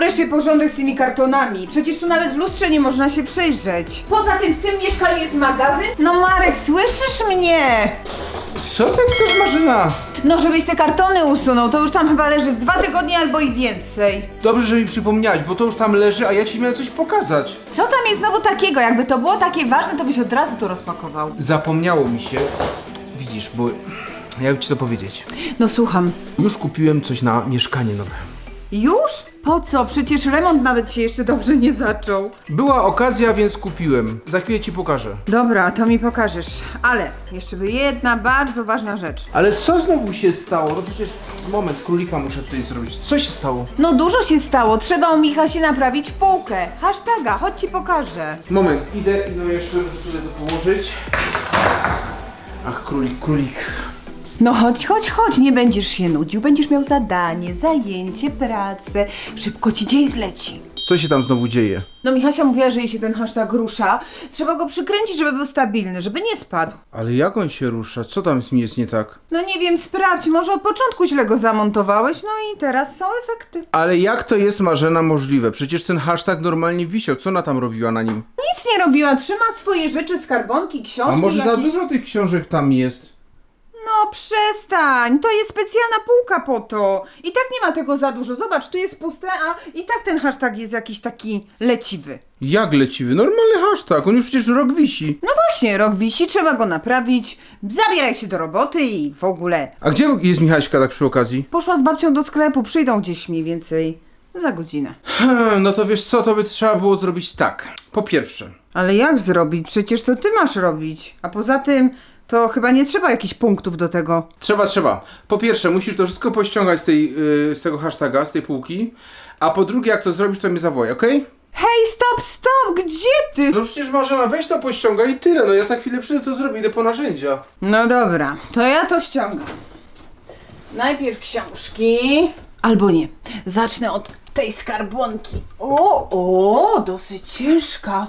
wreszcie porządek z tymi kartonami. Przecież tu nawet w lustrze nie można się przejrzeć. Poza tym w tym mieszkaniu jest magazyn. No Marek, słyszysz mnie? Co ty chcesz, Marzena? No żebyś te kartony usunął, to już tam chyba leży z 2 tygodnie albo i więcej. Dobrze, że mi przypomniałaś, bo to już tam leży, a ja ci miałem coś pokazać. Co tam jest znowu takiego? Jakby to było takie ważne, to byś od razu to rozpakował. Zapomniało mi się. Widzisz, bo jakby ci to powiedzieć. No słucham. Już kupiłem coś na mieszkanie nowe. Już? Po co? Przecież remont nawet się jeszcze dobrze nie zaczął. Była okazja, więc kupiłem. Za chwilę ci pokażę. Dobra, to mi pokażesz. Ale jeszcze by jedna bardzo ważna rzecz. Ale co znowu się stało? No przecież, moment, królika muszę tutaj zrobić. Co się stało? No dużo się stało. Trzeba u Michasia naprawić półkę. Hashtaga, chodź ci pokażę. Moment, idę jeszcze tutaj to położyć. Ach, królik. No chodź, nie będziesz się nudził. Będziesz miał zadanie, zajęcie, pracę. Szybko ci dzień zleci. Co się tam znowu dzieje? No Michasia mówiła, że jej się ten hashtag rusza. Trzeba go przykręcić, żeby był stabilny, żeby nie spadł. Ale jak on się rusza? Co tam z nim jest nie tak? No nie wiem, sprawdź, może od początku źle go zamontowałeś, no i teraz są efekty. Ale jak to jest, Marzena, możliwe? Przecież ten hashtag normalnie wisiał. Co ona tam robiła na nim? Nic nie robiła, trzyma swoje rzeczy, skarbonki, książki A może za jakieś... dużo tych książek tam jest? No przestań, to jest specjalna półka po to. I tak nie ma tego za dużo. Zobacz, tu jest puste, a i tak ten hashtag jest jakiś taki leciwy. Jak leciwy? Normalny hashtag, on już przecież rok wisi. No właśnie, rok wisi, trzeba go naprawić. Zabieraj się do roboty i w ogóle. A gdzie jest Michaśka tak przy okazji? Poszła z babcią do sklepu, przyjdą gdzieś mniej więcej za godzinę. No to wiesz co, to by trzeba było zrobić tak. Po pierwsze, Ale jak zrobić? Przecież to ty masz robić. A poza tym to chyba nie trzeba jakichś punktów do tego. trzeba. Po pierwsze, musisz to wszystko pościągać z tego hashtaga, z tej półki. A po drugie, jak to zrobisz, to mnie zawołaj, okej? Hej, stop! Gdzie ty? No przecież Marzena, weź to pościągaj i tyle. No ja za chwilę przyjdę to zrobię, idę po narzędzia. No dobra, to ja to ściągam. Najpierw książki. Albo nie. Zacznę od tej skarbonki. O, dosyć ciężka.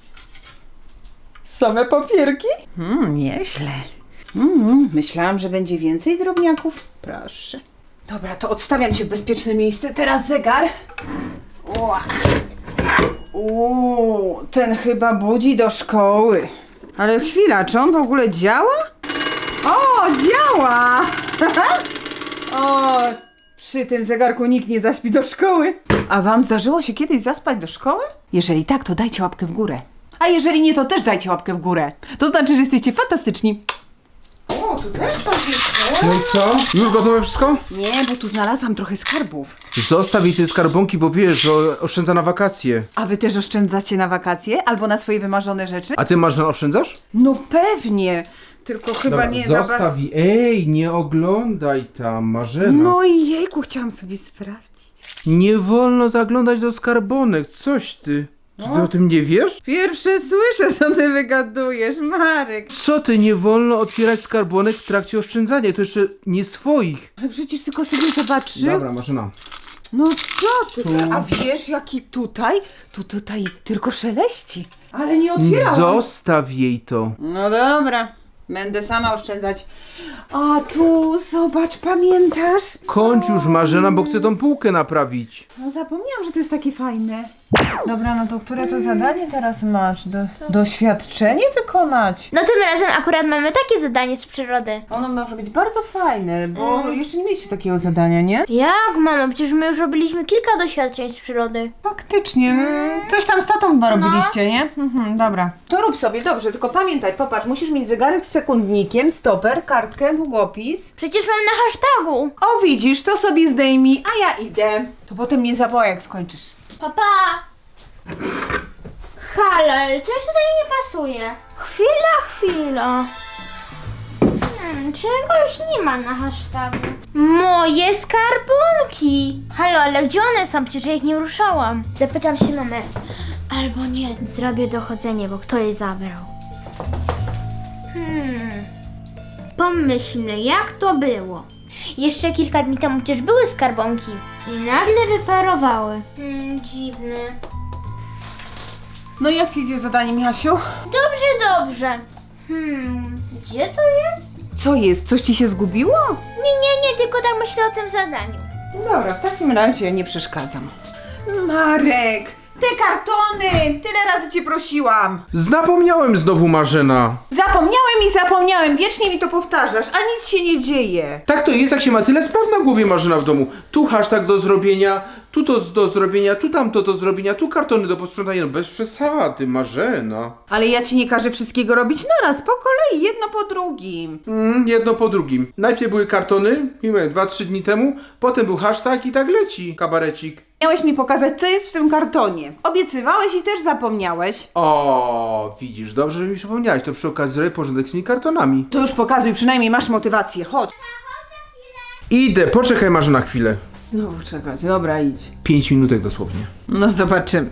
Same papierki? Nieźle. Myślałam, że będzie więcej drobniaków. Proszę. Dobra, to odstawiam cię w bezpieczne miejsce. Teraz zegar. Ten chyba budzi do szkoły. Ale chwila, czy on w ogóle działa? O, działa! O, przy tym zegarku nikt nie zaśpi do szkoły. A wam zdarzyło się kiedyś zaspać do szkoły? Jeżeli tak, to dajcie łapkę w górę. A jeżeli nie, to też dajcie łapkę w górę. To znaczy, że jesteście fantastyczni. O, tu też coś jest. No i co? Już gotowe wszystko? Nie, bo tu znalazłam trochę skarbów. Zostaw jej te skarbonki, bo wiesz, że oszczędza na wakacje. A wy też oszczędzacie na wakacje? Albo na swoje wymarzone rzeczy? A ty, Marzena, oszczędzasz? No pewnie. Tylko chyba Dobra, nie za zostaw jej. Ej, nie oglądaj tam, Marzena. No i jejku, chciałam sobie sprawdzić. Nie wolno zaglądać do skarbonek, coś ty. Ty o tym nie wiesz? Pierwsze słyszę, co ty wygadujesz, Marek. Co ty, nie wolno otwierać skarbonek w trakcie oszczędzania, to jeszcze nie swoich. Ale przecież tylko sobie zobaczył. Dobra, Marzena. No co ty? Tu. A wiesz, jaki tutaj? Tutaj tylko szeleści. Ale nie otwierałam. Zostaw jej to. No dobra, będę sama oszczędzać. A tu, zobacz, pamiętasz? Kończ już, Marzena, bo chcę tą półkę naprawić. No zapomniałam, że to jest takie fajne. Dobra, no to które to zadanie teraz masz? Doświadczenie wykonać? No tym razem akurat mamy takie zadanie z przyrody. Ono może być bardzo fajne, bo jeszcze nie mieliście takiego zadania, nie? Jak mamo? Przecież my już robiliśmy kilka doświadczeń z przyrody. Faktycznie, coś tam z tatą chyba robiliście, nie? Dobra. To rób sobie, dobrze, tylko pamiętaj, popatrz, musisz mieć zegarek z sekundnikiem, stoper, kartkę, długopis. Przecież mam na hashtagu. O widzisz, to sobie zdejmij, a ja idę. To potem mnie zawołaj, jak skończysz. Papa! Halo, ale coś tutaj nie pasuje. Chwila. Czegoś nie ma na hashtagu. Moje skarbonki! Halo, ale gdzie one są? Przecież ja ich nie ruszałam. Zapytam się mamy. Albo nie, zrobię dochodzenie, bo kto je zabrał. Pomyślmy, jak to było. Jeszcze kilka dni temu przecież były skarbonki i nagle wyparowały. Dziwne. No i jak ci idzie zadanie, Michasiu? Dobrze. Gdzie to jest? Co jest? Coś ci się zgubiło? Nie, tylko tak myślę o tym zadaniu. Dobra, w takim razie nie przeszkadzam. Marek, te kartony! Tyle razy cię prosiłam. Zapomniałem znowu, Marzena. Zapomniałem, wiecznie mi to powtarzasz, a nic się nie dzieje. Tak to jest, jak się ma tyle spraw na głowie, Marzena, w domu. Tu hashtag do zrobienia, tu to do zrobienia, tu tamto do zrobienia, tu kartony do posprzątania. No bez przesady, Marzena. Ale ja ci nie każę wszystkiego robić naraz, po kolei, jedno po drugim. Jedno po drugim. Najpierw były kartony, miałem 2-3 dni temu, potem był hashtag i tak leci kabarecik. Miałeś mi pokazać, co jest w tym kartonie. Obiecywałeś i też zapomniałeś. O, widzisz, dobrze, że mi przypomniałeś. To przy okazji zrobię porządek z tymi kartonami. To już pokazuj, przynajmniej masz motywację, chodź. Idę, poczekaj, Marzena, chwilę. Znowu czekać, dobra, idź. 5 minutek dosłownie. No zobaczymy.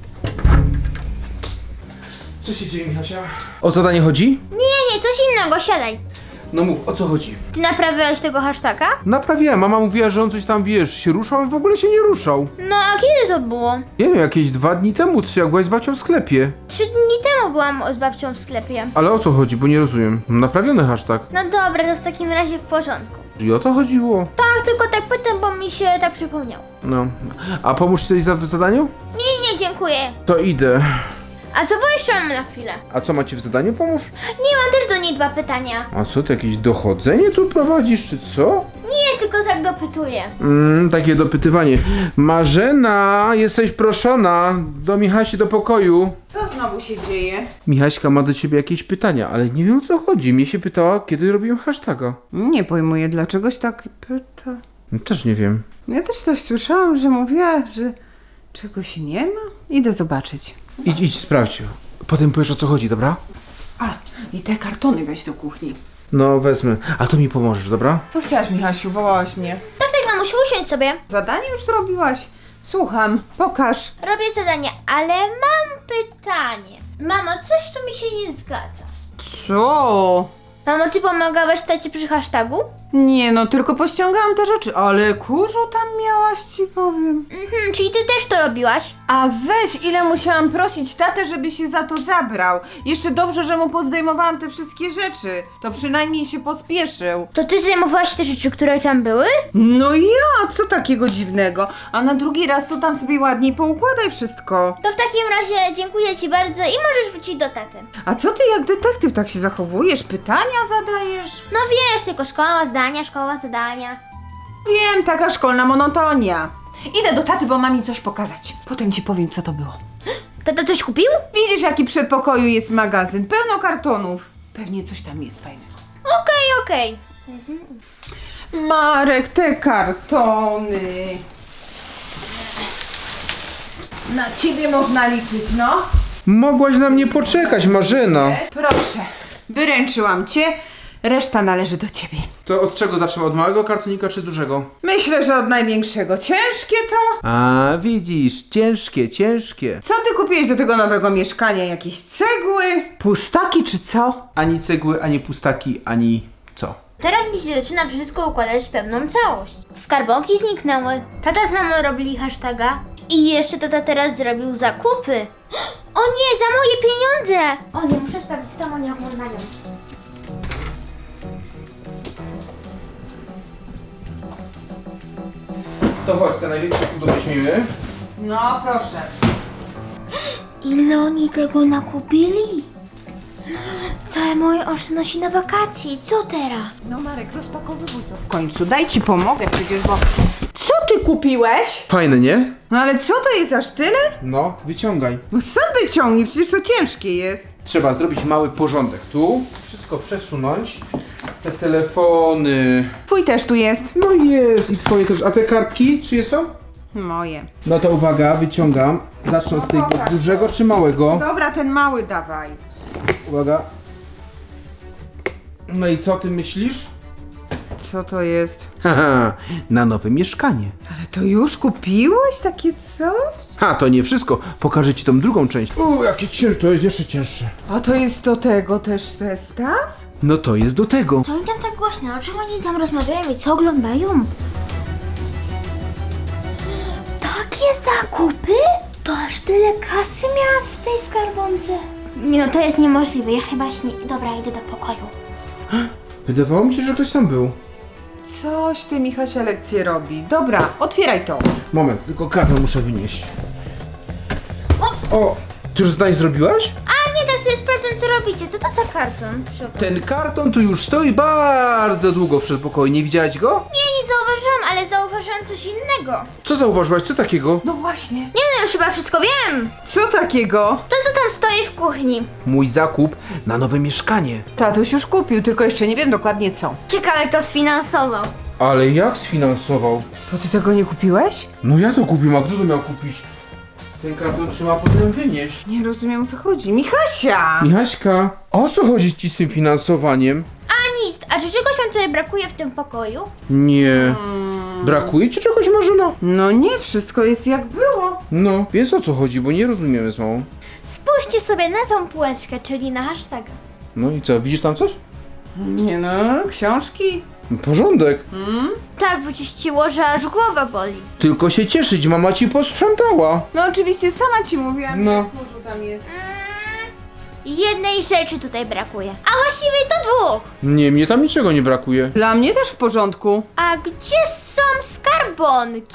Co się dzieje, Michasia? O zadanie chodzi? Nie, coś innego, siadaj. No mów, o co chodzi? Ty naprawiałeś tego hashtaga? Naprawiłem, mama mówiła, że on coś tam, wiesz, się ruszał, on w ogóle się nie ruszał. No a kiedy to było? Nie wiem, jakieś 2 dni temu, 3, jak byłaś z babcią w sklepie. 3 dni temu byłam z babcią w sklepie. Ale o co chodzi, bo nie rozumiem. Naprawiony hashtag. No dobra, to w takim razie w porządku. I o to chodziło. Tak, tylko tak pytam, bo mi się tak przypomniało. No. A pomóż ci coś w zadaniu? Nie, dziękuję. To idę. A co, bo jeszcze mam na chwilę. A co macie w zadaniu? Pomóż? Nie, mam też do niej 2 pytania. A co, ty jakieś dochodzenie tu prowadzisz, czy co? Nie, tylko tak dopytuję. Takie dopytywanie. Marzena, jesteś proszona do Michasi do pokoju. Co znowu się dzieje? Michaśka ma do ciebie jakieś pytania, ale nie wiem o co chodzi. Mnie się pytała, kiedy robiłem hashtaga. Nie pojmuję, dlaczegoś tak pyta. Też nie wiem. Ja też coś słyszałam, że mówiła, że czegoś nie ma. Idę zobaczyć. Idź, sprawdź. Potem powiesz o co chodzi, dobra? A, i te kartony weź do kuchni. No wezmę. A to mi pomożesz, dobra? Co chciałaś, Michasiu? Wołałaś mnie. Tak, mamusiu, usiądź sobie. Zadanie już zrobiłaś? Słucham, pokaż. Robię zadanie, ale mam pytanie. Mamo, coś tu mi się nie zgadza. Co? Mamo, ty pomagałaś tacie przy hashtagu? Nie no, tylko pościągałam te rzeczy, ale kurzu tam miałaś, ci powiem. Czyli ty też to robiłaś? A weź, ile musiałam prosić tatę, żeby się za to zabrał. Jeszcze dobrze, że mu pozdejmowałam te wszystkie rzeczy. To przynajmniej się pospieszył. To ty zajmowałaś te rzeczy, które tam były? No ja, co takiego dziwnego? A na drugi raz to tam sobie ładniej poukładaj wszystko. To w takim razie dziękuję ci bardzo i możesz wrócić do taty. A co ty jak detektyw tak się zachowujesz? Pytania zadajesz? No wiesz, tylko szkoła zadania. Wiem, taka szkolna monotonia. Idę do taty, bo mam mi coś pokazać. Potem ci powiem, co to było. Tata coś kupił? Widzisz, jaki w przedpokoju jest magazyn, pełno kartonów. Pewnie coś tam jest fajnego. Okej. Marek, te kartony. Na ciebie można liczyć, no. Mogłaś na mnie poczekać, Marzena. Proszę, wyręczyłam cię. Reszta należy do ciebie. To od czego zaczynamy? Od małego kartonika czy dużego? Myślę, że od największego. Ciężkie to? A, widzisz, ciężkie. Co ty kupiłeś do tego nowego mieszkania? Jakieś cegły? Pustaki czy co? Ani cegły, ani pustaki, ani co? Teraz mi się zaczyna wszystko układać w pewną całość. Skarbonki zniknęły, tata z mamą robili hashtaga i jeszcze tata teraz zrobił zakupy. O nie, za moje pieniądze! O nie, muszę sprawdzić, co tam oni oglądają. To chodź, te największe pudełko weźmiemy. No, proszę. Ile oni tego nakupili? Całe moje oszczędności na wakacji, co teraz? No Marek, rozpakowywuj to. W końcu, daj ci pomogę przecież, bo... Co ty kupiłeś? Fajne, nie? No ale co to jest, aż tyle? No, wyciągaj. No sam wyciągnij, przecież to ciężkie jest. Trzeba zrobić mały porządek. Tu wszystko przesunąć. Te telefony. Twój też tu jest. No jest i twoje też. A te kartki czyje są? Moje. No to uwaga, wyciągam. Zacznę od tego pokaż dużego czy małego? Dobra, ten mały dawaj. Uwaga. No i co ty myślisz? Co to jest? Haha, na nowe mieszkanie. Ale to już kupiłeś takie coś? Ha, to nie wszystko. Pokażę ci tą drugą część. Jakie cięższe, to jest jeszcze cięższe. A to jest do tego też zestaw? No to jest do tego. Co oni tam tak głośno? O czym oni tam rozmawiają i co oglądają? Takie zakupy? To aż tyle kasy miałam w tej skarbonce. Nie no, to jest niemożliwe. Ja chyba Dobra, idę do pokoju. Wydawało mi się, że ktoś tam był. Coś ty, Michasia, lekcję robi. Dobra, otwieraj to. Moment, tylko karton muszę wynieść. O, ty już zdanie zrobiłaś? A nie, tak sobie sprawdzam, co robicie. Co to za karton? Przy okazji. Ten karton tu już stoi bardzo długo w przedpokoju, nie widziałaś go? Nie zauważyłam, ale zauważyłam coś innego. Co zauważyłaś, co takiego? No właśnie. Nie no, już chyba wszystko wiem. Co takiego? To, co tam stoi w kuchni. Mój zakup na nowe mieszkanie. Tatuś już kupił, tylko jeszcze nie wiem dokładnie co. Ciekawe, kto sfinansował. Ale jak sfinansował? To ty tego nie kupiłeś? No ja to kupiłem, a kto to miał kupić? Ten karton trzeba potem wynieść. Nie rozumiem, o co chodzi. Michasia! Michaśka, o co chodzi ci z tym finansowaniem? A nic, a czy czegoś wam tutaj brakuje w tym pokoju? Nie. Brakuje ci czegoś, Marzena? No nie, wszystko jest jak było. No, więc o co chodzi, bo nie rozumiemy z mamą. Spójrzcie sobie na tą półeczkę, czyli na hashtaga. No i co, widzisz tam coś? Nie no, książki. Porządek. Tak wyczyściło, że aż głowa boli. Tylko się cieszyć, mama ci posprzątała. No oczywiście, sama ci mówiłam, No. że w kurzu tam jest. Jednej rzeczy tutaj brakuje. A właściwie to dwóch. Nie, mnie tam niczego nie brakuje. Dla mnie też w porządku. A gdzie są skarbonki?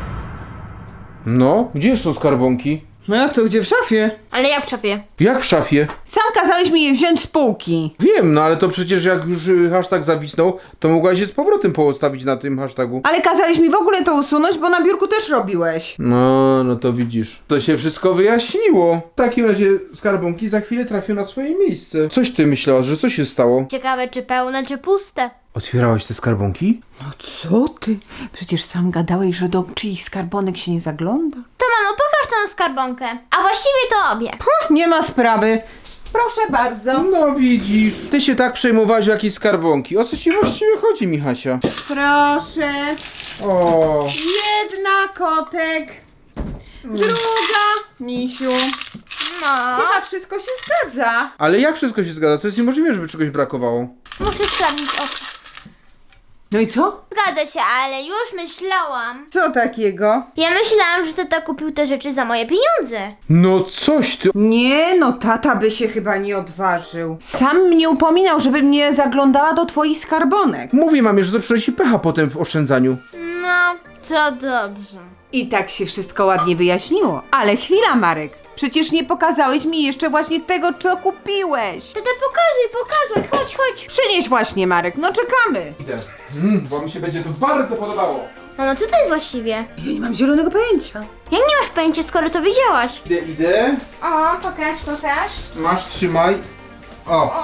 No, gdzie są skarbonki? No jak to, gdzie w szafie? Ale jak w szafie? Jak w szafie? Sam kazałeś mi je wziąć z półki. Wiem, no ale to przecież jak już hashtag zawisnął, to mogłaś się z powrotem postawić na tym hashtagu. Ale kazałeś mi w ogóle to usunąć, bo na biurku też robiłeś. No to widzisz. To się wszystko wyjaśniło. W takim razie skarbonki za chwilę trafią na swoje miejsce. Coś ty myślałaś, że co się stało? Ciekawe, czy pełne, czy puste. Otwierałaś te skarbonki? No co ty? Przecież sam gadałeś, że do czyichś skarbonek się nie zagląda. To mamo, pokaż tą skarbonkę. A właściwie to obie. Nie ma sprawy. Proszę bardzo. No widzisz. Ty się tak przejmowałaś o jakieś skarbonki. O co ci właściwie chodzi, Michasia? Proszę. O. Jedna kotek. Druga misiu. No. Chyba wszystko się zgadza. Ale jak wszystko się zgadza? To jest niemożliwe, żeby czegoś brakowało. Muszę sprawdzić oko. No i co? Zgadza się, ale już myślałam. Co takiego? Ja myślałam, że tata kupił te rzeczy za moje pieniądze. No coś ty. Nie no, tata by się chyba nie odważył. Sam mnie upominał, żebym nie zaglądała do twoich skarbonek. Mówię mamie, że to przynosi pecha potem w oszczędzaniu. No, to dobrze. I tak się wszystko ładnie wyjaśniło. Ale chwila, Marek. Przecież nie pokazałeś mi jeszcze właśnie tego, co kupiłeś. Tata, pokazuj, chodź. Przynieś właśnie, Marek, no czekamy. Idę. Bo mi się będzie to bardzo podobało. No, co to jest właściwie? Ja nie mam zielonego pojęcia. Jak nie masz pojęcia, skoro to widziałaś? Idę. O, pokaż. Masz, trzymaj. O.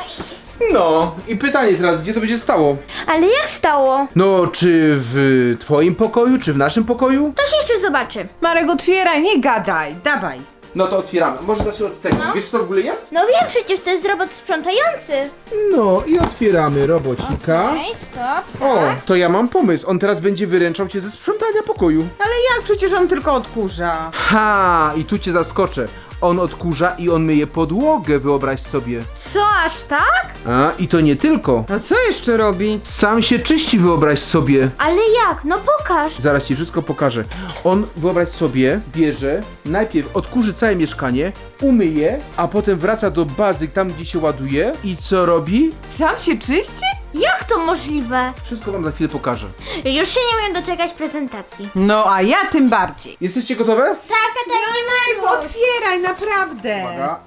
No i pytanie teraz, gdzie to będzie stało? Ale jak stało? No, czy w twoim pokoju, czy w naszym pokoju? To się jeszcze zobaczy. Marek, otwieraj, nie gadaj, dawaj. No to otwieramy. Może zacznę od tego. No. Wiesz co to w ogóle jest? No wiem, przecież to jest robot sprzątający. No i otwieramy robocika. Stop. O, to ja mam pomysł. On teraz będzie wyręczał cię ze sprzątania pokoju. Ale jak? Przecież on tylko odkurza. Ha, i tu cię zaskoczę. On odkurza i on myje podłogę, wyobraź sobie. Co, aż tak? A, i to nie tylko. A co jeszcze robi? Sam się czyści, wyobraź sobie. Ale jak? No pokaż. Zaraz ci wszystko pokażę. On, wyobraź sobie, bierze, najpierw odkurzy całe mieszkanie, umyje, a potem wraca do bazy, tam gdzie się ładuje. I co robi? Sam się czyści? Jak to możliwe? Wszystko wam za chwilę pokażę. Już się nie umiem doczekać prezentacji. No, a ja tym bardziej. Jesteście gotowe? Tak, tata, nie ma. Otwieraj, naprawdę. Uwaga.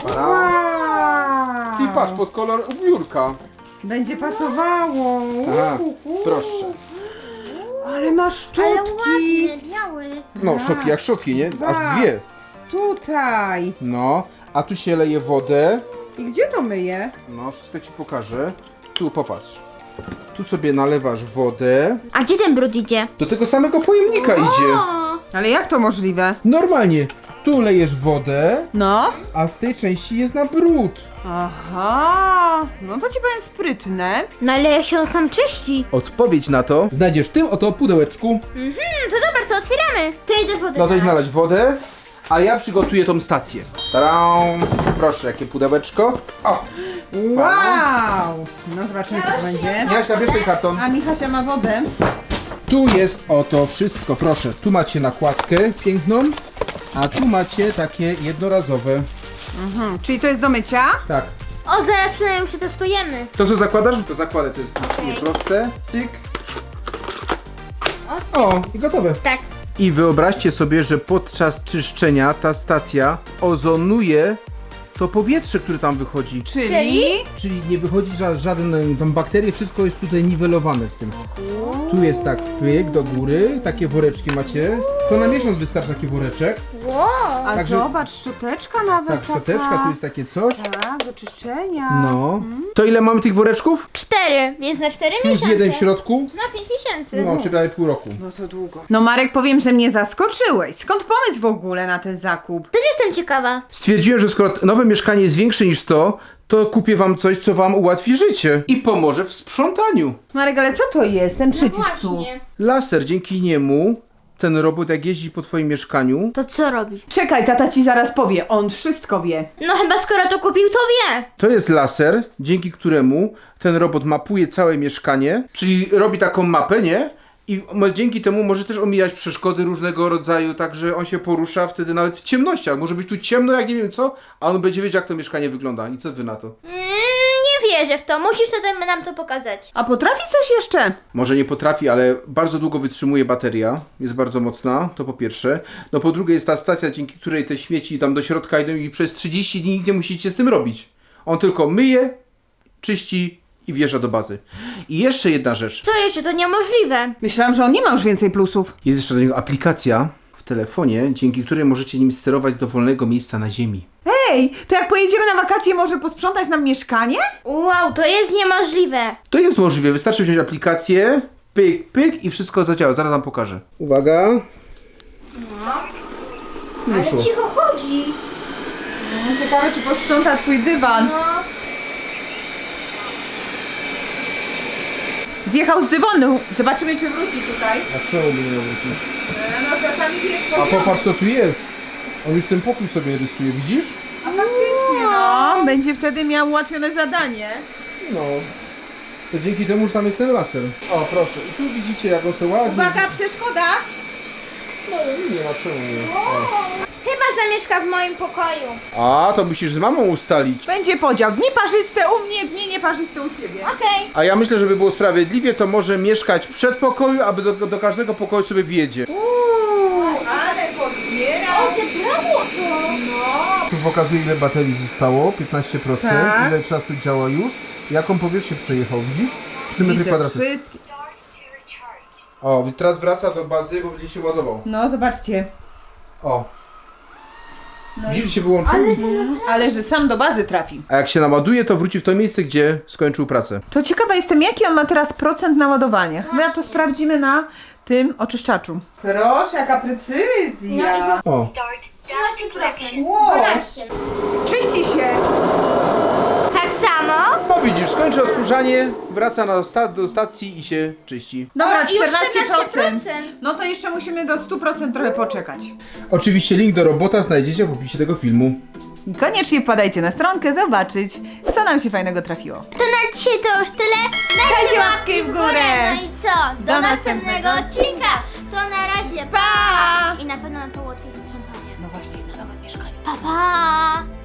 Wow. Ty patrz, pod kolor biurka. Będzie pasowało. Aha, proszę. Ale masz Ale szczotki. ładny, biały. No, szczotki jak szczotki, nie? Aż dwie. Tutaj. No, a tu się leje wodę. I gdzie to myje? No, wszystko ci pokażę. Tu, popatrz. Tu sobie nalewasz wodę. A gdzie ten brud idzie? Do tego samego pojemnika idzie. O, Ale jak to możliwe? Normalnie. Tu lejesz wodę, No. a z tej części jest na brud. Aha. No to ci powiem sprytne. no ale jak się on sam czyści. Odpowiedź na to znajdziesz w tym oto pudełeczku. To dobra, to otwieramy. To idę wodę. No to idź nalać. nalać wodę, a ja przygotuję tą stację. Tadam! Proszę, jakie pudełeczko. O! Wow. No zobaczymy, co to będzie. Jaśka, bierz ten karton. A Michasia ma wodę. Tu jest oto wszystko, proszę. Tu macie nakładkę piękną, a tu macie takie jednorazowe. Czyli to jest do mycia? Tak. O, zaraz przynajmniej przetestujemy. To co zakładasz? To zakładę, to jest Okej. proste. Cyk. O, i gotowe. Tak. I wyobraźcie sobie, że podczas czyszczenia ta stacja ozonuje to powietrze, które tam wychodzi. Czyli nie wychodzi żaden tam bakterie, wszystko jest tutaj niwelowane w tym. Tu jest tak pyk do góry, takie woreczki macie. To na miesiąc wystarczy taki woreczek. Wow. A Także- zobacz, szczoteczka nawet Tak, szczoteczka, tu jest takie coś. Tak, do czyszczenia. No. To ile mamy tych woreczków? 4, więc na 4 Plus miesiące. jeden w środku. To na 5 miesięcy. No, czyli prawie pół roku. No to długo. No Marek, powiem, że mnie zaskoczyłeś. Skąd pomysł w ogóle na ten zakup? Też jestem ciekawa. Stwierdziłem, że skoro nowe mieszkanie jest większe niż to kupię wam coś, co wam ułatwi życie. I pomoże w sprzątaniu. Marek, ale co to jest, ten przycisk tu? Właśnie. Laser, dzięki niemu ten robot jak jeździ po twoim mieszkaniu, To co robi? Czekaj, tata ci zaraz powie, on wszystko wie. No chyba skoro to kupił, to wie. to jest laser, dzięki któremu ten robot mapuje całe mieszkanie, czyli robi taką mapę, nie? I dzięki temu może też omijać przeszkody różnego rodzaju, także on się porusza wtedy nawet w ciemnościach. Może być tu ciemno, jak nie wiem co, a on będzie wiedział, jak to mieszkanie wygląda. I co wy na to? Nie wierzę w to. Musisz wtedy nam to pokazać. A potrafi coś jeszcze? Może nie potrafi, ale bardzo długo wytrzymuje bateria. Jest bardzo mocna, to po pierwsze. No po drugie jest ta stacja, dzięki której te śmieci tam do środka idą i przez 30 dni nic nie musicie z tym robić. On tylko myje, czyści i wjeżdża do bazy. I jeszcze jedna rzecz. Co jeszcze? To niemożliwe. Myślałam, że on nie ma już więcej plusów. Jest jeszcze do niego aplikacja w telefonie, dzięki której możecie nim sterować z dowolnego miejsca na ziemi. Ej, to jak pojedziemy na wakacje, może posprzątać nam mieszkanie? Wow, to jest niemożliwe. To jest możliwe, wystarczy wziąć aplikację, pyk, pyk i wszystko zadziała. Zaraz wam pokażę. Uwaga. Ale Wyszło. cicho chodzi. Ciekawe, czy posprząta twój dywan. No. Zjechał z dywanu. Zobaczymy, czy wróci tutaj. A czemu by nie wrócić? No czasami wiesz, A popatrz co tu jest. On już ten pokój sobie rysuje, widzisz? A faktycznie, no. Będzie wtedy miał ułatwione zadanie. No. To dzięki temu, że tam jest ten laser. O, proszę. I tu widzicie, jak on sobie ładnie... Uwaga, przeszkoda! No, nie ma czemu nie. O. Chyba zamieszka w moim pokoju. A, to musisz z mamą ustalić. Będzie podział. Dni parzyste u mnie, dni nieparzyste u ciebie. Okej. A ja myślę, żeby było sprawiedliwie, to może mieszkać w przedpokoju, aby do każdego pokoju sobie wjedzie. Ale pozbierał. Zebrało to. No. Tu pokazuje, ile baterii zostało, 15%, Tak. ile czasu działa już, jaką powierzchnię przejechał, widzisz? 3 metry kwadratowe. Wszystkie. O, teraz wraca do bazy, bo będzie się ładował. No, zobaczcie. O, No widzisz, się wyłączył? ale że sam do bazy trafi. A jak się naładuje, to wróci w to miejsce, gdzie skończył pracę. To ciekawa jestem, jaki on ma teraz procent naładowania. Chyba to sprawdzimy na tym oczyszczaczu. Proszę, jaka precyzja. O, 13%. Wow. 12. Czyści się. Tak samo. no widzisz, skończy odkurzanie, wraca do stacji i się czyści. Dobra, O, już 14%. 14%. No to jeszcze musimy do 100% trochę poczekać. Oczywiście link do robota znajdziecie w opisie tego filmu. I koniecznie wpadajcie na stronkę zobaczyć, co nam się fajnego trafiło. To na dzisiaj to już tyle. Dajcie łapki w górę. No i co? Do następnego odcinka. To na razie. Pa! I na pewno nam to ułatwi sprzątanie. No właśnie, na nowym mieszkaniu. Pa, pa.